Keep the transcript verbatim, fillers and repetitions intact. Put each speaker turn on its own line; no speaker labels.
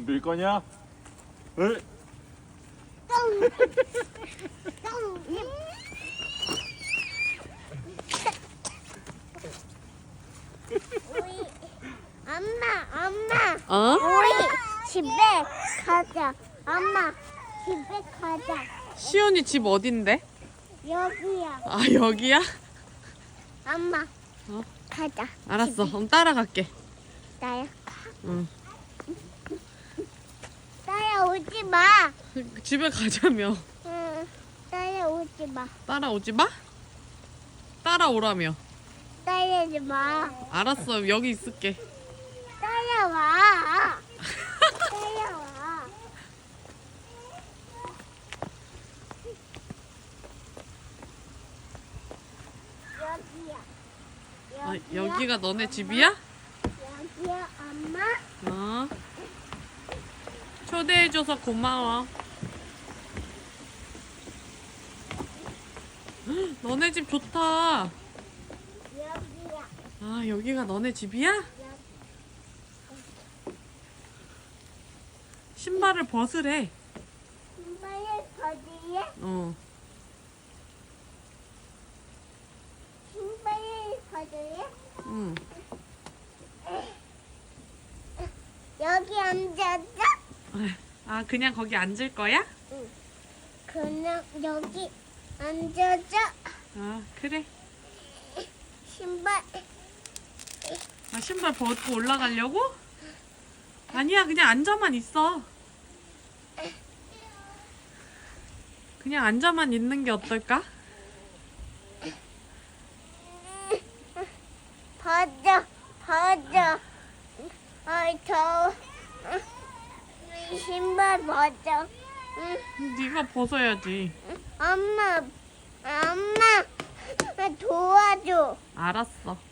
밀 거냐? 을?
우리 엄마 엄마
어?
우리 집에 가자. 엄마 집에 가자.
시온이 집 어딘데?
여기야.
아, 여기야?
엄마
어?
가자.
알았어. 그럼 따라갈게.
나야.
응.
따라오지 마.
집에 가자며.
응. 따라오지 마.
따라오지 마? 따라오라며.
따라오지 마.
알았어. 여기 있을게.
따라와. 따라와. 여기야.
아,
여기야.
여기가 너네 집이야?
여기야 엄마.
어. 초대해줘서 고마워. 헉, 너네 집 좋다.
여기야.
아, 여기가 너네 집이야? 신발을 벗으래.
신발을 거기에.
어.
신발을 거기에.
응.
여기 앉았어?
아, 그냥 거기 앉을 거야?
그냥 여기 앉아서
아, 그래.
신발.
아, 신발 벗고 올라가려고? 아니야, 그냥 앉아만 있어. 그냥 앉아만 있는 게 어떨까?
벗어, 벗어. 아이 더워. 신발 벗어. 응.
네가 벗어야지.
엄마, 엄마, 나 도와줘.
알았어.